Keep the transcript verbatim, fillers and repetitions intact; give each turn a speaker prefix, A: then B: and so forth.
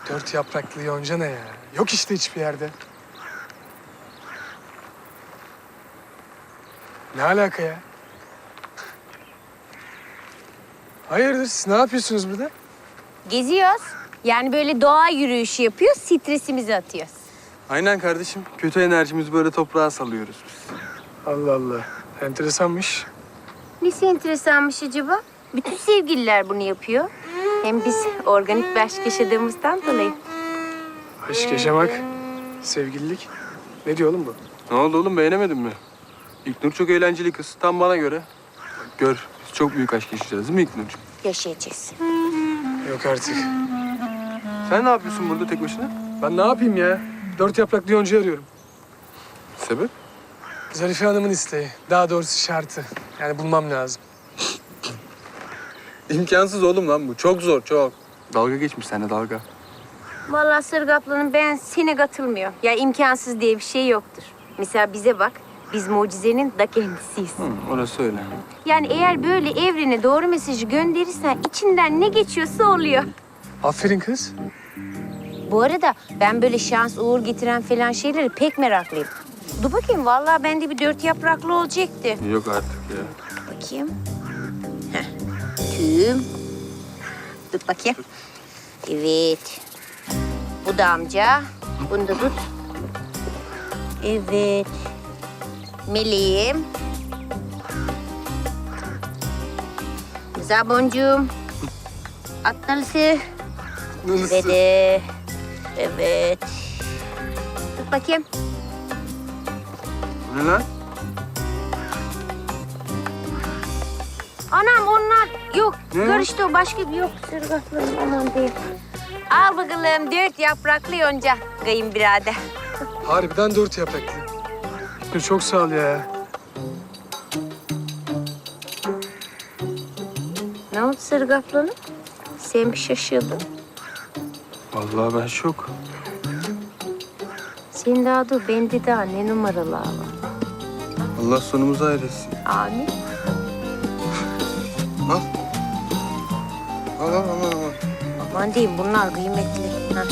A: Dört yapraklı yonca ne ya? Yok işte hiçbir yerde. Ne alaka ya? Hayırdır, siz ne yapıyorsunuz burada?
B: Geziyoruz. Yani böyle doğa yürüyüşü yapıyoruz, stresimizi atıyoruz.
C: Aynen kardeşim. Kötü enerjimizi böyle toprağa salıyoruz biz.
A: Allah Allah, enteresanmış.
B: Nesi enteresanmış acaba? Bütün sevgililer bunu yapıyor. Hem biz organik bir aşk yaşadığımızdan dolayı.
A: Aşk yaşamak, sevgililik. Ne diyor oğlum bu?
C: Ne oldu oğlum, beğenemedin mi? İlknur çok eğlenceli kız. Tam bana göre. Bak gör, biz çok büyük aşk yaşayacağız değil mi İlknurcuğum?
B: Yaşayacağız.
A: Yok artık.
C: Sen ne yapıyorsun burada tek başına?
A: Ben ne yapayım ya? Dört yapraklı yonca arıyorum.
C: Sebep?
A: Zarife Hanım'ın isteği. Daha doğrusu şartı. Yani bulmam lazım.
C: İmkansız oğlum lan bu. Çok zor, çok. Dalga geçmiş seninle dalga.
B: Vallahi Sırgı ablanın ben sene katılmıyor. Ya imkansız diye bir şey yoktur. Mesela bize bak, biz mucizenin da kendisiyiz.
C: Hı, orası öyle.
B: Yani eğer böyle evrene doğru mesajı gönderirsen içinden ne geçiyorsa oluyor.
A: Aferin kız.
B: Bu arada ben böyle şans, uğur getiren falan şeyleri pek meraklıyım. Dur bakayım, vallahi bende bir dört yapraklı olacaktı.
C: Yok artık ya.
B: Bakayım. Heh. Tüm. Dur bakayım. Evet. Bu da amca. Bunu da tut. Evet. Meleğim. Güzel boncuğum. Atnalısı. Ve de... Evet. Tut bakayım.
C: Bu ne lan?
B: Anam onlar yok.
C: Ne?
B: Karıştı o, başka bir yok. Sırgatlarım aman değil. Al bakalım dört yapraklı yonca kayınbirader.
A: Harbiden dört yapraklı. Dur, çok sağ ol ya.
B: Ne oldu Sırgatlanım? Sen bir şaşırdın.
C: Vallahi ben şok.
B: Sen daha dur, bende daha ne numaralar var.
C: Allah sonumuzu hayretsin.
B: Amin.
C: Al. Al al al al.
B: Aman diyeyim, bunlar kıymetli.